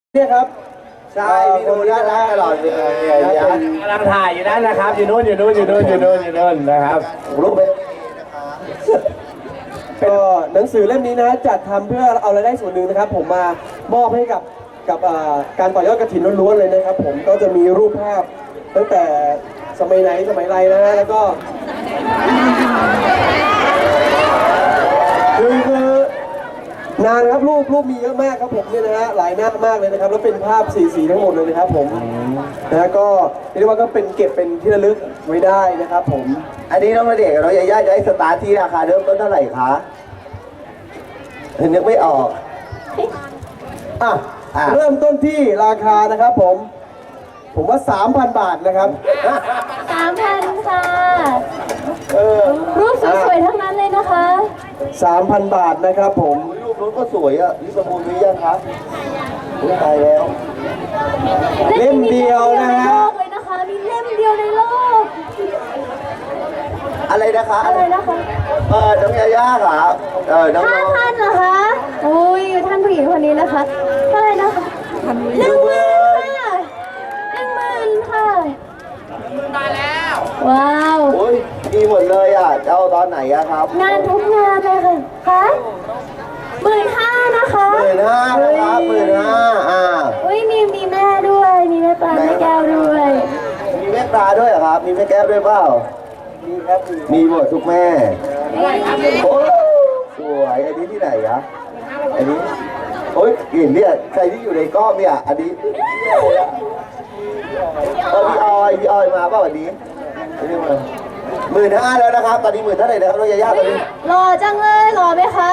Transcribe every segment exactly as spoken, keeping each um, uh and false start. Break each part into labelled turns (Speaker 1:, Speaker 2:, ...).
Speaker 1: เนี่ยครับ
Speaker 2: ใช่พี่ดูน่ารักตลอดเลยเนี่ย
Speaker 3: กำลังถ่ายอยู่นั่นนะครับอยู่นู้นอยู่นู้นอยู่นู้นอยู่นู้นอยู่นู้นนะครับ
Speaker 2: รูปเป็น
Speaker 1: ก็หนังสือเล่มนี้นะจัดทำเพื่อเอารายได้ส่วนหนึ่งนะครับผมมามอบให้กับกับการต่อยอดกฐินล้วนๆเลยนะครับผมก็จะมีรูปภาพตั้งแต่สมัยไหนสมัยไรนะฮะแล้วก็คือคือนานครับรูปรูปมีเยอะมากครับผมเนี่ยนะฮะหลายหน้ามากเลยนะครับแล้วเป็นภาพสีสีทั้งหมดเลยนะครับผมนะก็เรียกว่าก็เป็นเก็บเป็นที่ระลึกไว้ได้นะครับผม
Speaker 2: อันนี้น้องณเดชน์กับน้องยาย่าจะให้สตาร์ทที่ราคาเริ่มต้นเท่าไหร่คะนึกไม่ออก
Speaker 1: อ่ะเริ่มต้นที่ราคานะครับผมผมว่า สามพัน บาทนะครับ
Speaker 4: สามพัน ค่ะรูปสวยๆทั้งนั้นเลยนะคะ
Speaker 1: สามพัน บาทนะครับผม
Speaker 2: รูปนู้นก็สวยอ่ะลิประมูลนี้ยังครับตายแล้ว
Speaker 1: เล่มเดียวนะฮะ
Speaker 4: เลยนะคะมีเล่มเดียวในโลก
Speaker 2: อะไรนะคะ
Speaker 4: อะไรนะคะ
Speaker 2: เออน้องยาย่าค่ะเออน้อง
Speaker 4: ห้าพันเหรอคะโอ้ยท่านผู้หญิงคนนี้นะคะเท่าไหร่นะคะหนึ่งหมื่นค่ะหนึ่งหมื่นค่ะมาแล้วว้าว
Speaker 2: โอ้ยมีหมดเลยอ่ะจะเอาตอนไหนอะครับ
Speaker 4: งานทุกงานเลยค่ะคะหมื่นห้านะคะ
Speaker 2: หมื่นห้านะครับหมื่นห้าอ่า
Speaker 4: อุ้ยมีมีแม่ด้วยมีแม่ปลาแม่แก้วด้วย
Speaker 2: มีแม่ปลาด้วยเหรอครับมีแม่แก้วด้วยเปล่า
Speaker 1: มีครับ
Speaker 2: มีหมดทุกแม่โอ้สวยอันนี้ที่ไหนอะอันนี้โอ้ยเห็นเนี่ยใครที่อยู่ในกล้องเนี่ยอันนี้เออพี่ออยพี่ออยมาเปล่าวันนี้หมื่นห้าแล้วนะครับตอนนี้หมื่นเท่าไหร่นะครับน้องยาย่าตอนนี้
Speaker 4: หล่อจังเลยหล่อไหมคะ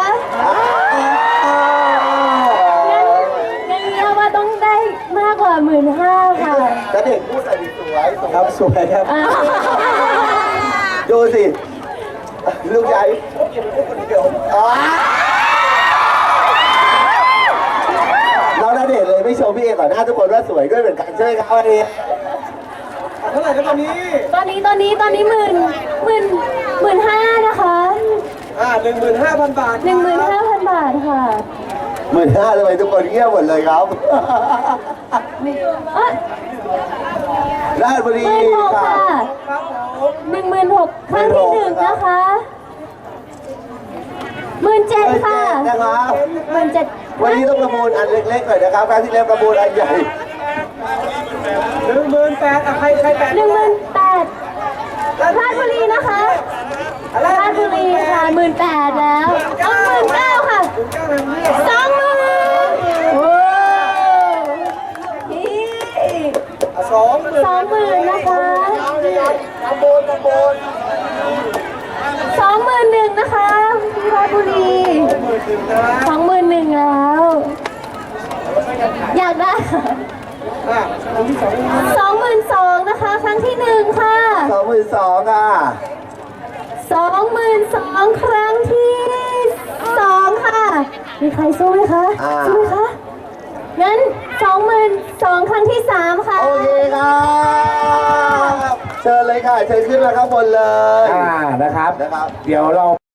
Speaker 4: งั้นงั้นเรียกว่าต้องได้มากกว่าหมื่นห้าค่ะ
Speaker 2: จะเด็กพูดอะไรสวย
Speaker 1: ครับสวยครับ
Speaker 2: ดูสิลูกใหญ่เราณเดชน์เลยไม่ชมพี่เอก่อนหน้าทุกคนว่าสวยด้วยเหมือนกันใช่ไหมครับวันนี้
Speaker 1: เท่าไหร่ครับตอนนี้
Speaker 4: ตอนนี้ตอนนี้ตอนนี้หมื่นหมื่นหมื่นห้านะคะ
Speaker 1: อ่าหนึ่งหมื่นห้าพันบาท
Speaker 4: หนึ่งหมื่นห้าพันบาทค่ะ
Speaker 2: หมื่นห้าเลยทุกคนเงียบหมดเลยครับราชบุรี
Speaker 4: ค่ะหนึ่งหมื่นหกครั้งที่หนึ่งนะคะหมื่นเจ็ดค่ะ
Speaker 2: นะครับ
Speaker 4: หมื่นเจ็ด
Speaker 2: วันนี้ต้องประมูลอันเล็กๆหน่อยนะครับครั้งที่แล้วประมูลอันใหญ่
Speaker 1: หนึ่งหมื่นแปดใครใครแปด
Speaker 4: หนึ่งหมื่นแปดราชบุรีนะคะราชบุรีค่ะหมื่นแปดแล้วเอาหมื่นเก้าค่ะสองหมื่นโอ้
Speaker 1: สองหมื่น
Speaker 4: สองหมื่นนะคะ
Speaker 2: ตำบลตำบล
Speaker 4: สองหมื่นหนึ่งนะคะราชบุรีสองหมื่นหนึ่งแล้วอยากได้สองหมื่นสองนะคะครั้งที่หนึ่งค่ะ
Speaker 2: สองหมื่นสองค่ะ
Speaker 4: สองหมื่นสองครั้งที่สองค่ะมีใครสู้ไหมคะสู้ไหมคะงั้นสองหมื่นสองครั้งที่สามค่ะ
Speaker 2: โอเคครับเชิญเลยค่ะเชิญขึ้นมาข้างบนเลย
Speaker 3: อ่านะครับ
Speaker 2: นะครับ
Speaker 3: เดี๋ยวเรา